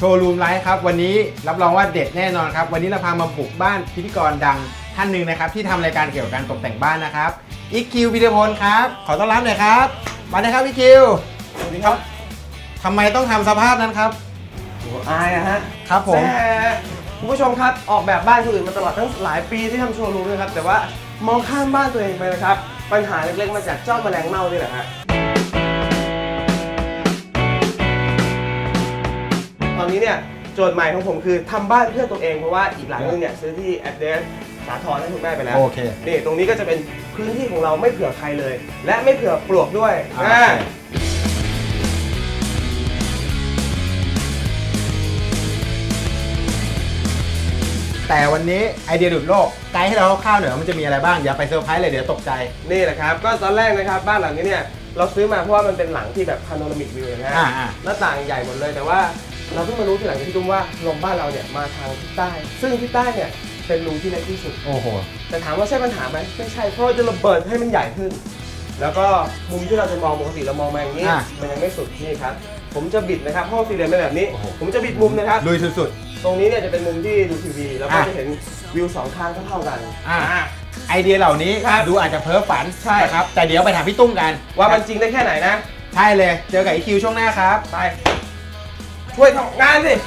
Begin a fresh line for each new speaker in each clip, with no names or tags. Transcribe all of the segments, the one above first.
ว์รูมไลฟ์ครับวันนี้รับรองว่าเด็ดแน่นอนครับวันนี้เราพามาบุกบ้านพิธีกรดังท่านหนึ่งนะครับที่ทำรายการเกี่ยวกับการตกแต่งบ้านนะครับอีคิวพิธีพลครับขอต้อนรับหน่อยครับมาเลยครับอีคิวสวัสดีครับทำไมต้องทำสภาพนั้นครับ
อายอะฮะ
ครับผม
คุณผู้ชมครับออกแบบบ้านคนอื่นมาตลอดตั้งหลายปีที่ทำโชว์รูมนะครับแต่ว่ามองข้ามบ้านตัวเองไปนะครับปัญหาเล็กๆมาจากเจ้าแมลงเม่านี่แหละฮะตอนนี้เนี่ยโจทย์ใหม่ของผมคือทำบ้านเพื่อตัวเองเพราะว่าอีกหลังนึงเนี่ยซื้อที่แอดเดสสาทรให้คุณแม่ไปแล้ว
โอเค
นี่ตรงนี้ก็จะเป็นพื้นที่ของเราไม่เผื่อใครเลย และไม่เผื่อปลวกด้วย
แต่วันนี้ไอเดียดุดโลกไกด์ให้เราคร่าวๆหน่อยว่ามันจะมีอะไรบ้างอย่าไปเซอร์ไพรส์เลยเดี๋ยวตกใจ
นี่แหละครับก็ตอนแรกนะครับบ้านหลังนี้เนี่ยเราซื้อมาเพราะว่ามันเป็นหลังที่แบบพาโนรามิกวิวนะฮะหน้าต่างใหญ่หมดเลยแต่ว่าเราเพิ่งมารู้ทีหลังที่ตุ้มว่าลมบ้านเราเนี่ยมาทางทิศใต้ซึ่งทิศใต้เนี่ยเป็นรูที่เล็กที่สุด
โอ้โห
แต่ถามว่าใช่ปัญหาไหมไม่ใช่เพราะจะระเบิดให้มันใหญ่ขึ้นแล้วก็มุมที่เราจะมองปกติเรามองมาอย่างนี้มันยังไม่สุดนี่ครับผมจะบิดนะครับห้องสี่เหลี่ยมเป็นแบบนี้ผมจะบิดมุมนะครับ
ลุยสุด
ๆตรงนี้เนี่ยจะเป็นมุมที่ดูทีวีแล้วก็จะเห็นวิวสองข้างเท่ากัน
ไอเดียเหล่านี้ดูอาจจะเพ้อฝันใช่ครับแต่เดี๋ยวไปถามพี่ตุ้มกัน
ว่ามันจริงได้แค่ไหนนะ
ใช่เลยเจอกับอีคิวช่วงหน้าครับ
ไปช่วยทำงานสิ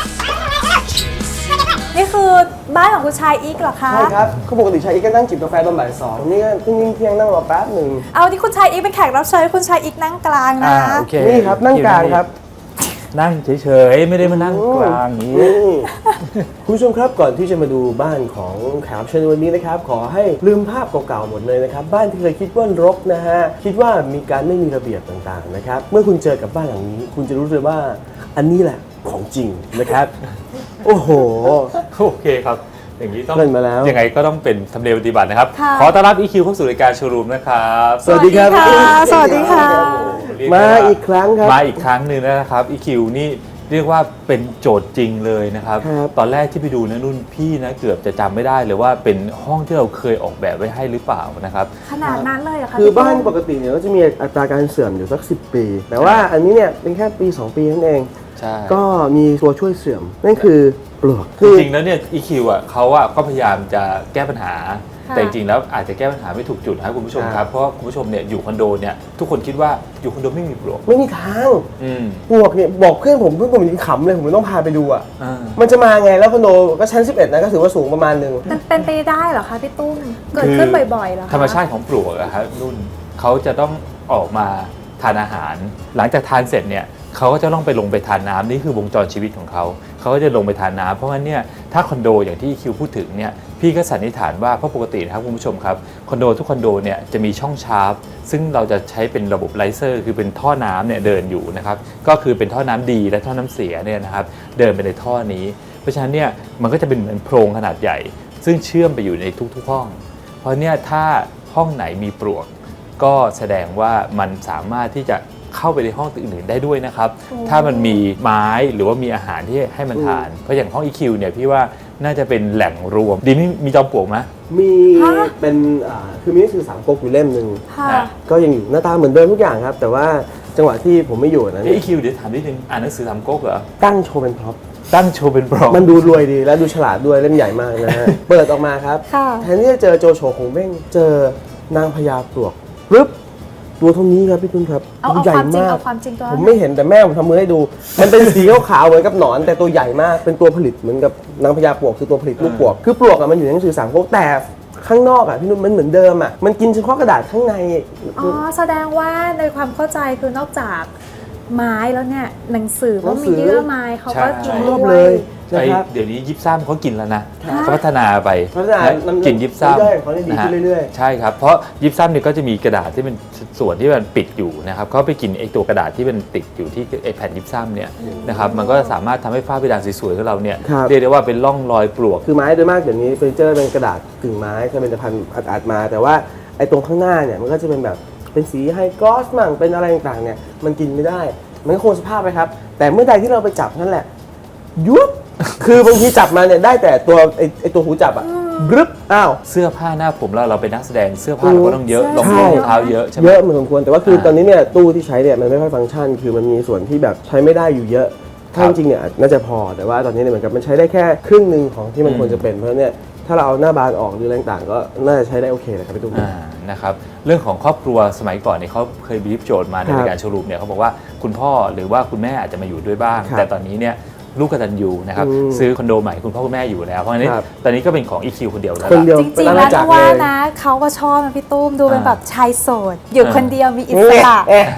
นี่คือบ้านของคุณชายอีกเหรอคะ
ใช่ครับเขาปกติชายอีกก็นั่งจิบกาแฟตอนบ่าย 2นี่ก็เพิ่งเที่ยงนั่งรอแป๊บหนึ่ง
เอาที่คุณชายอีกเป็นแขกรับเชิญคุณชายอีกนั่งกลางนะ
นี่ครับนั่งกลางครับ
นั่งเฉยๆไม่ได้มานั่งกลางนี้
คุณผู้ชมครับก่อนที่จะมาดูบ้านของแขกรับเชิญวันนี้นะครับขอให้ลืมภาพเก่าๆหมดเลยนะครับบ้านที่เคยคิดว่ารกนะฮะคิดว่ามีการไม่มีระเบียบต่างๆนะครับเมื่อคุณเจอกับบ้านหลังนี้คุณจะรู้เลยว่าอันนี้แหละของจริงนะครับโอ้โห
โอเคครับอย่างนี้ต้อง
มาแล้ว
ยังไงก็ต้องเป็นธรรมเนียมปฏิบัตินะครับขอต้อนรับอีคิวเข้าสู่รายการโชว์รูมนะครับ
สวัสดีครับ
สวัสดีค่ะ
มาอีกครั้งครับ
มาอีกครั้งหนึ่งนะครับอีคิวนี่เรียกว่าเป็นโจทย์จริงเลยนะครับตอนแรกที่ไปดูนะนุ่นพี่นะเกือบจะจำไม่ได้เลยว่าเป็นห้องที่เราเคยออกแบบไว้ให้หรือเปล่านะครับ
ขนาดนั้นเลยเหรอคะ
คือบ้านปกติเนี่ยก็จะมีอัตราการเสื่อมอยู่สัก10 ปีแต่ว่าอันนี้เนี่ยเป็นแค่ปี2 ปีนั่นเองก็มีตัวช่วยเสื่อมนั่นคือปลวก
จริงๆแล้วเนี่ย EQ อ่ะเขาก็พยายามจะแก้ปัญหาแต่จริงๆแล้วอาจจะแก้ปัญหาไม่ถูกจุดนะครับคุณผู้ชมครับเพราะคุณผู้ชมเนี่ยอยู่คอนโดเนี่ยทุกคนคิดว่าอยู่คอนโดไม่มีปลวก
ไม่มีทางปลวกเนี่ยบอกเพื่อนผมยังขำเลยผมต้องพาไปดูอ่ะมันจะมาไงแล้วคอนโดก็ชั้น11นะก็ถือว่าสูงประมาณนึง
มันเป็นไปได้เหรอคะพี่ตุ้มเกิดขึ้นบ่อยๆเหรอ
ธรรมชาติของปลวกอะครับนุ่นเขาจะต้องออกมาทานอาหารหลังจากทานเสร็จเนี่ยเขาก็จะต้องไปลงไปทานน้ำนี่คือวงจรชีวิตของเขาก็จะลงไปทานน้ำเพราะงั้นเนี่ยถ้าคอนโดอย่างที่คิวพูดถึงเนี่ยพี่ก็สันนิษฐานว่าเพราะปกตินะครับคุณผู้ชมครับคอนโดทุกคอนโดเนี่ยจะมีช่องชาร์ปซึ่งเราจะใช้เป็นระบบไลเซอร์คือเป็นท่อน้ำเนี่ยเดินอยู่นะครับก็คือเป็นท่อน้ำดีและท่อน้ำเสียเนี่ยนะครับเดินไปในท่อนี้เพราะฉะนั้นเนี่ยมันก็จะเป็นเหมือนโพรงขนาดใหญ่ซึ่งเชื่อมไปอยู่ในทุกๆห้องเพราะเนี่ยถ้าห้องไหนมีปลวกก็แสดงว่ามันสามารถที่จะเข้าไปในห้องอื่นๆได้ด้วยนะครับถ้ามันมีไม้หรือว่ามีอาหารที่ให้มันทานเพราะอย่างห้อง EQ เนี่ยพี่ว่าน่าจะเป็นแหล่งรวมดีมีจอมปลวกไหม
มีเป็นคือมีหนังสือ3 ก๊กอยู่เล่มนึงก็ยังอยู่หน้าตาเหมือนเดิมทุกอย่างครับแต่ว่าจังหวะที่ผมไม่อยู่นะ
EQ เดี๋ยวถามนิดนึงอ่านหนังสือ3 ก๊กเหรอ
ตั้งโชว์เป็นพร็อพ
ตั้งโชว์เป็นพร็อพ
มันดูรวยดีและดูฉลาดด้วยเล่มใหญ่มากนะฮะเปิดออกมาครับแทนที่จะเจอโจโฉคงเบ้งเจอนางพญาปลวกปึ๊บตัวเท่านี้ครับพี่ตุ้นครับ
ตัวใหญ่มาก
ผมไม่เห็นแต่แม่ผมทำมือให้ดูมันเป็นสีขาวๆเหมือนกับหนอนแต่ตัวใหญ่มากเป็นตัวผลิตเหมือนกับนางพญาปลวกคือตัวผลิตลูกปลวกคือปลวกมันอยู่ในหนังสือ3 ก๊กแต่ข้างนอกพี่นุ่นมันเหมือนเดิมมันกินเฉพาะกระดาษข้างใน
แสดงว่าในความเข้าใจคือนอกจากไม้แล้วเนี่ยหนังสือก็มีเยื่อไม้เขาก็กินด้วย
เดี๋ยวนี้ยิปซัมเขากินแล้วนะเขาพัฒนาไปกินยิปซัมนะฮะใช่ครับเพราะยิปซัมเนี่ยก็จะมีกระดาษที่เป็นส่วนที่มันปิดอยู่นะครับเขาไปกินไอ้ตัวกระดาษที่มันติดอยู่ที่ไอ้แผ่นยิปซัมเนี่ยนะครับมันก็สามารถทำให้ฝ้าเพดานสวยๆของเราเนี่ยเรียกได้ว่าเป็นร่องรอยปลวก
คือไม้โดยมากเดี๋ยวนี้เฟอร์นิเจอร์เป็นกระดาษกึ่งไม้ถ้าเป็นผลิตภัณฑ์อัดมาแต่ว่าไอ้ตรงข้างหน้าเนี่ยมันก็จะเป็นแบบเป็นสีไฮกลอสมั่งเป็นอะไรต่างๆเนี่ยมันกินไม่ได้มันก็คงสภาพไปครับแต่เมื่อใดที่เราไปจับนั่นแหละยุบคือบางทีจับมาเนี่ยได้แต่ตัวไอตัวหูจับบรึบ
เสื้อผ้าหน้าผมเราเป็นนักแสดงเสื้อผ้าเราก็ต้องเยอะรองเท้าเยอะใช่ไหม
เยอะเหมือนสมควรแต่ว่าคือตอนนี้เนี่ยตู้ที่ใช้เนี่ยมันไม่ค่อยฟังก์ชันคือมันมีส่วนที่แบบใช้ไม่ได้อยู่เยอะถ้าจริงๆเนี่ยน่าจะพอแต่ว่าตอนนี้เนี่ยเหมือนกับมันใช้ได้แค่ครึ่งหนึ่งของที่มันควรจะเป็นเพราะเนี่ยถ้าเราเอาหน้าบานออกหรืออะไรต่างๆก็น่าจะใช้ได้โอเคเลยครับพี่ตุ้ม
นะครับเรื่องของครอบครัวสมัยก่อนเนี่ยเขาเคยบีฟโจทย์มาในรายการโชว์รูมเนี่ยเขาบอกว่าคุณพ่อหรือว่าคุณแม่อาจจะมาอยู่ด้วยบ้าง แต่ตอนนี้เนี่ยลูกกตัญญูนะครับซื้อคอนโดใหม่คุณพ่อคุณแม่อยู่แล้วเพราะฉะนั้นตอนนี้ก็เป็นของ EQ คนเดียวแล้ว
คนเดียว
จริงๆแล้วนะว่านะเขาก็ชอบนะพี่ตุ้มดูเป็นแบบชายโสดอยู่คนเดียวมีอิสระ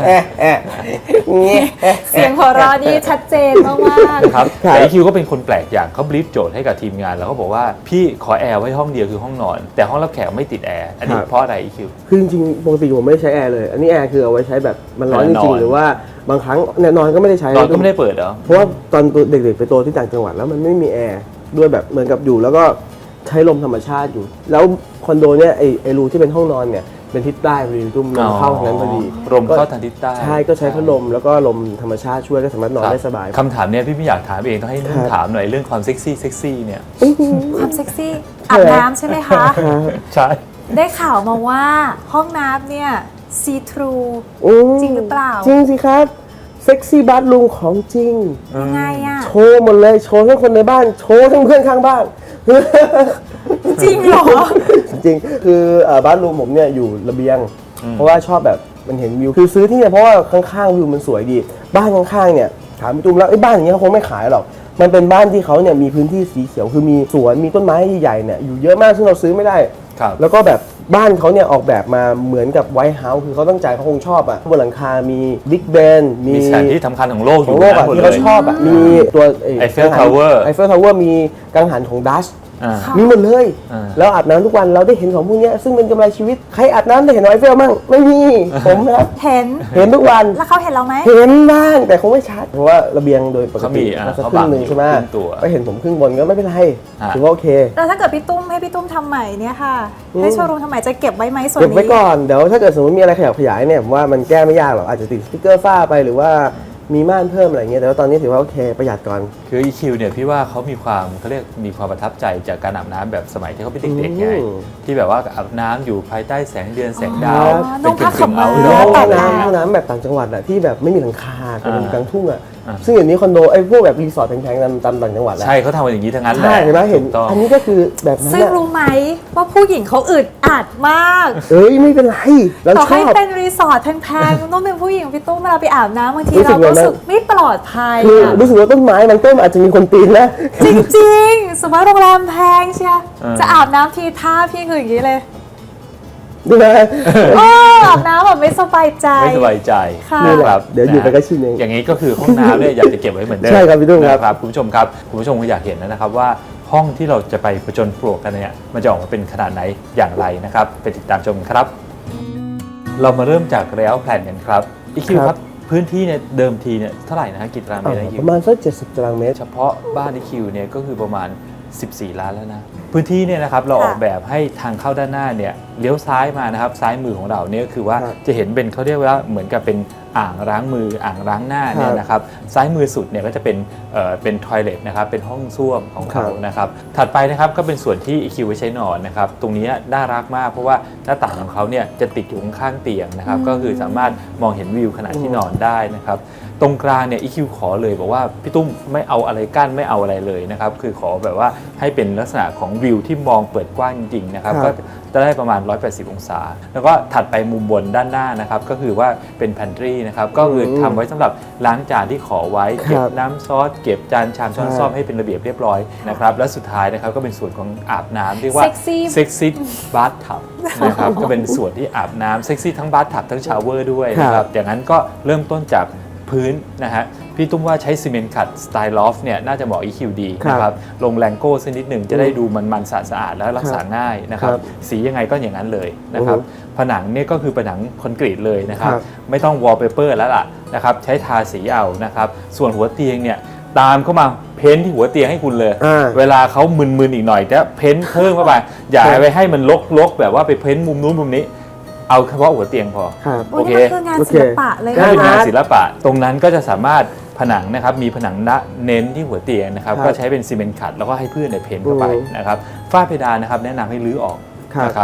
เสียงหัวเราะนี่ชัดเจนมากๆ
ครับแต่ EQ ก็เป็นคนแปลกอย่างเขาบีฟโจทย์ให้กับทีมงานแล้วเขาบอกว่าพี่ขอแอร์ไว้ห้องเดียวคือห้องนอนแต่ห้องรับแขกไม่ติดแอร์อันนี้เพราะอะไร EQ
คือจริงๆปกติผมไม่ได้ใช้แอร์เลยอันนี้แอร์คือเอาไว้ใช้แบบมันร้อนจริงๆหรือว่าบางครั้งเนี่ยนอนก็ไม่ได้ใช้
นอนก็ไม่ได้เปิดเหรอ
เพราะว่าตอนเด็กๆไปโตที่ต่างจังหวัดแล้วมันไม่มีแอร์ด้วยแบบเหมือนกับอยู่แล้วก็ใช้ลมธรรมชาติอยู่แล้วคอนโดเนี่ยไอรูที่เป็นห้องนอนเนี่ยเป็นทิศใต้พอดีตุ้มลมเข้าทางนั้นพอดี
ลมเข้าทางทิศใต้
ใช่ก็ใช้พัดลมแล้วก็ลมธรรมชาติช่วยก็สามารถนอนได้สบาย
คำถามเนี่ยพี่ไม่อยากถามเองต้องให้นุ่นถามหน่อยเรื่องความเซ็กซี่เนี่ย
ความเซ็กซี่อาบน้ำใช่ไหมคะ
ใช่
ได้ข่าวมาว่าห้องน้ำเนี่ยซีทรู จริงหรือเปล่า
จริงสิครับเซ็กซี่บัตรูมของจริง
ยังไงอะ
โชว์หมดเลยโชว์ทั้งคนในบ้านโชว์ทั้งเพื่อนข้างบ้าน
จริงเหรอ
จริงๆคือบ้านรูมผมเนี่ยอยู่ระเบียง เพราะว่าชอบแบบมันเห็นวิวคือซื้อที่เนี่ยเพราะว่าข้างๆวิวมันสวยดีบ้านข้างๆเนี่ยถามพี่ตุ้มแล้วไอ้บ้านอย่างเงี้ยเขาคงไม่ขายหรอกมันเป็นบ้านที่เขาเนี่ยมีพื้นที่สีเขียวคือมีสวนมีต้นไม้ใหญ่ๆเนี่ยอยู่เยอะมากซึ่งเราซื้อไม่ได้
ครับ
แล้วก็แบบบ้านเขาเนี่ยออกแบบมาเหมือนกับไวท์เฮาส์คือเขาตั้งใจเขาคงชอบอะบนหลังคามีบิ๊กเบน
มีสถานที่สำคัญของโลกอ
ขอยู่ งโลก
นะ
อะ
หมด
ที่
เล
เขา
ย
ชอบอะมีตัว
Eiffel Tower
ไอเฟลทาวเวอร์มีกังหันของดัช
อ่า
มีหมดเลย
อ่า
แล้วอาบน้ำทุกวันเราได้เห็นของพวกเนี้ยซึ่งเป็นกำไรชีวิต ใครอาบน้ำได้เห็นไอเฟลมั่งไม่มี ผมนะครับ
เห็น
เห็นทุกวัน
แล้วเขาเห็นเราไหม
เห็นบ้างแต่คงไม่ชัด เพราะว่าระเบียงโดยปก
เขามี
ติ
อ่า
มันสัก
เขา
ครึ่งหนึ่ง
บัง
ใช่ไหม
ครึ่งตัว
ไปเห็นผมครึ่งบนก็ไม่เป็นไร
อ่า
ถือว่าโอเค
แล้วถ้าเกิดพี่ตุ้มให้พี่ตุ้มทำใหม่เนี่ยค่ะ ให้โชว์รูมทำใหม่จะเก็บไว้ไหมส่วน
เก็บ
นี้
ไว้ก่อนเดี๋ยวถ้าเกิดสมมติมีอะไรขยับขยายเนี่ยผมว่ามันแก้ไม่ยากหรอกอาจจะติดสติ๊กเกอร์ฝ้าไปหรือว่ามีม่านเพิ่มอะไรเงี้ยแต่ว่าตอนนี้ถือว่าโอเคประหยัดก่อน
คือ EQ เนี่ยพี่ว่าเขามีความเขาเรียกมีความประทับใจจากการอาบน้ำแบบสมัยที่เขาเป็นเด็กๆไง
อืม
ที่แบบว่าอาบน้ำอยู่ภายใต้แสงเดือนแสงดาว
อ๋อนุ่งผ้าขาวม้า
หรือว่าห้อง
แต่ง
น้ำ
งาน
ห้องน้ำแบบต่างจังหวัดอะที่แบบไม่มีหลังคาแต่มันอยู่กลางทุ่งอะ
อ่า
ซึ่งอย่างนี้คอนโดไอ้พวกแบบรีสอร์ทแพงๆตามต่างจังหวัดอะ
ใช่เขาทำกันอย่างนี้ทั้งนั้นแหละ
ใช่เห็นไหมเห็น
ถูกต้อง
อันนี้ก็คือแบบนั้น
ซึ่ง
อะ
รู้ไหมว่าผู้หญิงเขาอึดอัดมาก
เอ้ยไม่เป็นไรเรา
ต่อ
ช
ให้
อบ
เป็นรีสอร์ทแพงๆต้องเป็นผู้หญิงพี่ตุ้มเวลาไปอาบน้ำบางที
รู้สึ
เรา
ก
รู้
ไง
สึกไม่ปลอดภัย
คือ
อะ
รู้สึกว่าต้นไม้บางต้นอาจจะมีคนปีนนะ
จริงๆ สมมติโรงแรมแพงเชีย
เออ
จะอาบน้ำทีท่าพี่คืออย่างนี้เลย
ดูนะ
อาบน้ำแบบไม่สบายใจ
ไม่สบายใจ
ค่ะ
นะครับ
เดี๋ยวอยู่ไปก็ชินเอง
อย่างนี้ก็คือห้องน้ำเนี่ยอยากจะเก็บไว้เหมือนเดิม
ใช่ครับพี่ตุ้มครับ
นะครับคุณผู้ชมครับคุณผู้ชมคงอยากเห็นนะครับว่าห้องที่เราจะไปผจญปลวกกันเนี่ยมันจะออกมาเป็นขนาดไหนอย่างไรนะครับไปติดตามชมกันครับ เรามาเริ่มจากระยะแผนกันครับอีคิวครับพื้นที่เนี่ยเดิมทีเนี่ยเท่าไหร่นะฮะกี่ตารางเมตรนะอีคิ
ป
ว
ระมาณสัก70ตารางเมตร
เฉพาะบ้านอีคิวเนี่ยก็คือประมาณ 14 ล้านแล้วนะพื้นที่เนี่ยนะครับเราออกแบบให้ทางเข้าด้านหน้าเนี่ยเลี้ยวซ้ายมานะครับซ้ายมือของเราเนี่ยก็คือว่า
ครับ
จะเห็นเป็นเขาเรียกว่าเหมือนกับเป็นอ่างล้างมืออ่างล้างหน้าเนี่ยนะครับซ้ายมือสุดเนี่ยก็จะเป็นทอยเลทนะครับเป็นห้องส้วมของเขานะครับถัดไปนะครับก็เป็นส่วนที่ EQ ไว้ใช้นอนนะครับตรงนี้น่ารักมากเพราะว่าหน้าต่างของเขาเนี่ยจะติดอยู่ข้างๆเตียงนะครับก็คือสามารถมองเห็นวิวขณะที่นอนได้นะครับตรงกลางเนี่ย EQ ขอเลยบอกว่าพี่ตุ้มไม่เอาอะไรกั้นไม่เอาอะไรเลยนะครับคือขอแบบว่าให้เป็นลักษณะของวิวที่มองเปิดกว้างจริงๆนะครับก็จะได้ประมาณ180องศาแล้วก็ถัดไปมุมบนด้านหน้านะครับก็คือว่าเป็นแพนทรีนะครับก็คือทำไว้สำหรับล้างจานที่ขอไว้เก็บน้ำซอสเก็บจานชามช้อนซ่อมให้เป็นระเบียบเรียบร้อยนะครับและสุดท้ายนะครับก็เป็นส่วนของอาบน้ำเรียกว่า เซ็กซี่บาร์ทับนะครับก็เป็นส่วนที่อาบน้ำเซ็กซี่ทั้งบาร์ทับทั้งชาวเวอร์ด้วยนะครับอย่างนั้นก็เริ่มต้นจากพื้นนะฮะพี่ตุ้มว่าใช้ซีเมนต์ขัดสไตล์ลอฟเนี่ยน่าจะเหมาะ EQ ดีนะครับลงแรงโก้สักนิดหนึ่งจะได้ดูมันๆสะอาดแล้วรักษาง่ายนะครับสียังไงก็อย่างนั้นเลยนะครับผนังเนี่ยก็คือผนังคอนกรีตเลยนะครับไม่ต้องวอลเปเปอร์แล้วล่ะนะครับใช้ทาสีเอานะครับส่วนหัวเตียงเนี่ยตามเข้ามาเพ้นที่หัวเตียงให้คุณเลยเวลาเขามึนๆอีกหน่อยจะเพ้นเพิ่มเข้าไปอย่าไปให้มันลกๆแบบว่าไปเพ้นมุมนู้นมุมนี้เอาเฉพาะหัวเตียงพอ
โอ้ยนี่มันคืองานศิลปะเลย
ก็
นะ
เป็นงานศิลปะตรงนั้นก็จะสามารถผนังนะครับมีผนังเน้นที่หัวเตียงนะครับก็ใช้เป็นซีเมนต์ขัดแล้วก็ให้เพื่อนเพ้นเข้าไปนะครับฝ้าเพดานนะครับแนะนำให้รื้อออกนะครับ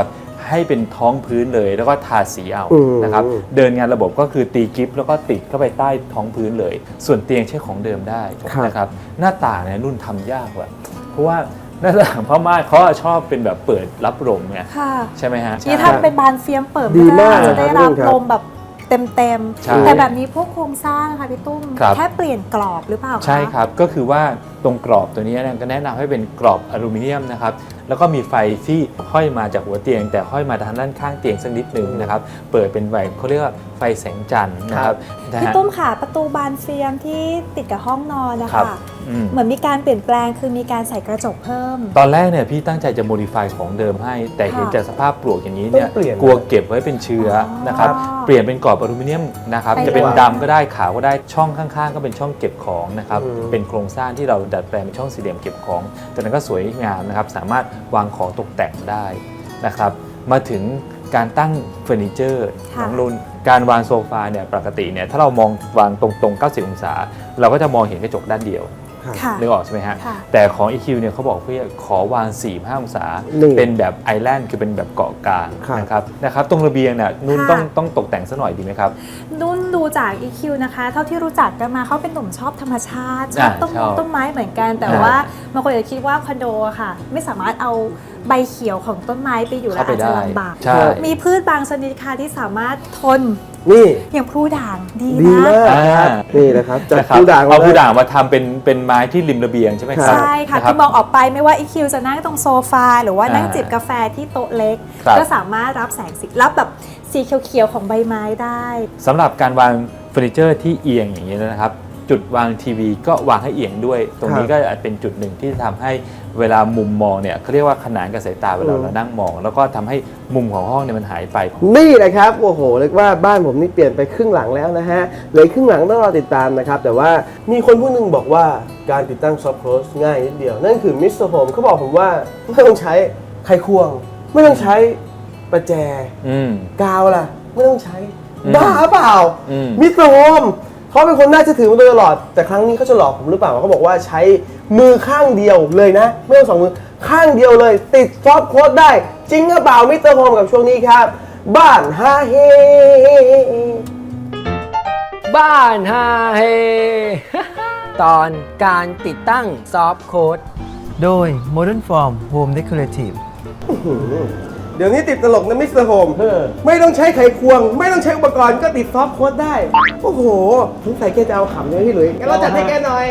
ให้เป็นท้องพื้นเลยแล้วก็ทาสีเอา
อืม
นะครับเดินงานระบบก็คือตีกิฟต์แล้วก็ติดเข้าไปใต้ท้องพื้นเลย ส่วนเตียงใช้ของเดิมได้นะครับหน้าต่างเนี่ยนุ่นทำยากว่ะเพราะว่าหน้าต่างพม่าเขาชอบเป็นแบบเปิดรับลมไง
ค่ะ
ใช่ไหมฮะ
นี่ถ้าเป็นบานเฟียมเปิด
ดี
ไม่ได้
มาก
จะได้
ครั
รั
บบ
ลมแบบเต็ม
ใช่
ๆแต่แบบนี้พวกโครงสร้างค่ะพี่ตุ้ม
ครับ
แค่เปลี่ยนกรอบหรือเปล่าคะ
ใช่ครับ ก็คือว่าตรงกรอบตัวนี้เนี่ยก็แนะนำให้เป็นกรอบอลูมิเนียมนะครับ แล้วก็มีไฟที่ห้อยมาจากหัวเตียง แต่ห้อยมาทางด้านข้างเตียงสักนิดหนึ่งนะครับ เปิดเป็นไฟเขาเรียกว่าไฟแสงจันทร์นะครับนะ
พี่
ฮะ
ตุ้มค่ะประตูบานเฟียมที่ติดกับห้องนอนนะ
ครั
คะ
บอืม
เหมือนมีการเปลี่ยนแปลงคือมีการใส่กระจกเพิ่ม
ตอนแรกเนี่ยพี่ตั้งใจจะโมดิฟายของเดิมให้ แต่เห็น
ค่ะ
จากสภาพปลวกอย่างนี้เนี่ย
ต้องเปลี่ยน
กลัวเก็บไว้เป็นเชื้อนะครับ
อ๋อ
เปลี่ยนเป็นกรอบอลูมิเนียมนะครับ
ไป
จะเป็น
เลย
ดำก็ได้ขาวก็ได้ช่องข้างๆ ก็เป็นช่องเก็บของนะครับ
อืม
เป็นโครงสร้างที่เราดัดแปลงเป็นช่องสี่เหลี่ยมเก็บของจากนั้นก็สวยงามนะครับสามารถวางของตกแต่งได้นะครับมาถึงการตั้งเฟอร์นิเจอร์
ค่ะ
น้องรุ่นการวางโซฟาเนี่ยปกติเนี่ยถ้าเรามองวางตรงๆ 90 องศา เราก็จะมองเห็นกระจกด้านเดียว
ค่ะ
นึกออกใช่ไหมฮะ
ค่ะ
แต่ของ EQ เนี่ยเขาบอกเพื่อขอวาง 4-5 องศา
นี่
เป็นแบบไอแลนด์คือเป็นแบบเกาะกลาง
ครับ
นะครับตรงระเบียงเนี่ยนุ่น
ค่ะ
ต้องตกแต่งซะหน่อยดีไหมครับ
นุ่นดูจาก EQ นะคะ เท่าที่รู้จักกันมาเขาเป็นหนุ่มชอบธรรมชาติชอบต้น
ชอบ
ต้นไม้เหมือนกัน แต่
อ่า
ว่าบางคนอาจจะคิดว่าคอนโดอะค่ะ ไม่สามารถเอาใบเขียวของต้นไม้ไปอยู่แล้ว
เข้าไป
อาจจะ
ได้
ลำบาก
ใช่
มีพืชบางชนิดค่ะที่สามารถทน
นี่
อย่างพลูด่างดี
ดี
นะ
มาก
อ่า
นี่นะครับจาก
นะครับ
ผู้ด่าง
เอาผู้
ม
ด่างมาทำเป็นไม้ที่ริมระเบียงใช่ไหมครับ
ใช่ค่ะ
นรับ
คือมองออกไปไม่ว่า EQ จะนั่งตรงโซฟาหรือว่านั่ง
อ่า
จิบกาแฟที่โต๊ะเล็ก
ครับ
ก็สามารถรับแสงสีรับแบบสีเขียวๆของใบไม้ได้
สำหรับการวางเฟอร์นิเจอร์ที่เอียงอย่างนี้นะครับ จุดวางทีวีก็วางให้เอียงด้วย ตรงนี้ก็อาจเป็นจุดหนึ่งที่ทำให้เวลามุมมองเนี่ยเขาเรียกว่าขนานกับสายตาเวลาเรานั่งมอง แล้วก็ทำให้มุมของห้องเนี่ยมันหายไป
นี่แหละครับโอ้โหเรียกว่าบ้านผมนี่เปลี่ยนไปครึ่งหลังแล้วนะฮะเหลือครึ่งหลังต้องรอติดตามนะครับแต่ว่ามีคนผู้หนึงบอกว่าการติดตั้งซอฟต์โคลสง่ายนิดเดียว นั่นคือมิสเตอร์โฮมเขาบอกผมว่าไม่ต้องใช้ไขควง ไม่ต้องใช้ประแจ
อืม
กาวล่ะไม่ต้องใช้
อืม
บ้าเปล่า
อืม
มิสเตอร์โฮมเขาเป็นคนน่าเชื่อถือมาโดยตลอด แต่ครั้งนี้เขาจะหลอกผมหรือเปล่าเขาบอกว่าใช้มือข้างเดียวเลยนะ ไม่ต้องสองมือข้างเดียวเลย ติดซอฟต์โค้ดได้ จริงหรือเปล่ามิสเตอร์โฮมกับช่วงนี้ครับ บ้านฮาเฮ
บ้านฮาเฮ ตอนการติดตั้งซอฟต์โค้ด
โดย Modern Form Home Decorative
เดี๋ยวนี้ติดตลกนะมิสเตอร์โฮมไม่ต้องใช้ไขควง ไม่ต้องใช้อุปกรณ์ก็ติดซอฟต์โค้ดได้ โอ้โหสงสัยแกจะเอาขำใช่ไหมพี่หลุยงั้นเราจัดให้แกหน่อย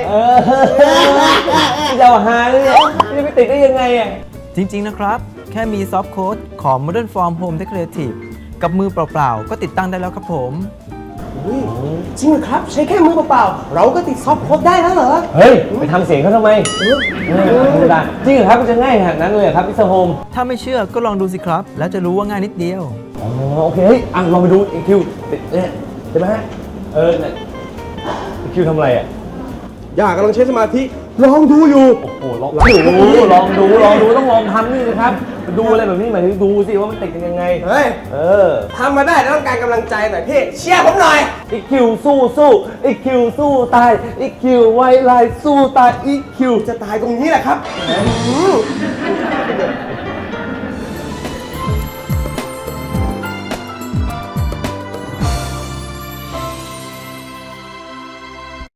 จะหาเลยจะไปติดได้ยังไงอ่ะ
จริง ๆ นะครับ แค่มีซอฟต์โค้ดของ Modern Form Home Decorative กับมือเปล่า ๆ ก็ติดตั้งได้แล้วครับผม
อุ๊ยจริงเหรอครับ ใช้แค่มือเปล่าๆเราก็ติดซอฟต์โค้ดได้แล้วเหรอ
เฮ้ย ไปทำเสียงเขาทำไมธรรมดาจริงเหรอครับมันจะง่ายขนาดนั้นเลยเหรอครับพี่สโฮม
ถ้าไม่เชื่อก็ลองดูสิครับ แล้วจะรู้ว่าง่ายนิดเดียว
อ๋อโอเคเฮ้ยอ่ะลองไปดูอีคิวเนี่ยใช่ไหมฮะเนี่ยอีคิวทำอะไรอ่ะ
อยากกำลังใช้สมาธิลองดูอยู่
โอ้ลองดูต้องลองทำนี่สิครับดูอะไรแบบนี้หมายถึงดูสิว่ามันติดกันยังไง
เฮ้ย ทำมาได้แต่ต้องการกำลังใจหน่อยพี่ เชียร์ผมหน่อย
อีคิวสู้อีคิวสู้ตายอีคิวไว้ลายสู้ตายอีคิว
จะตายตรงนี้แหละครับ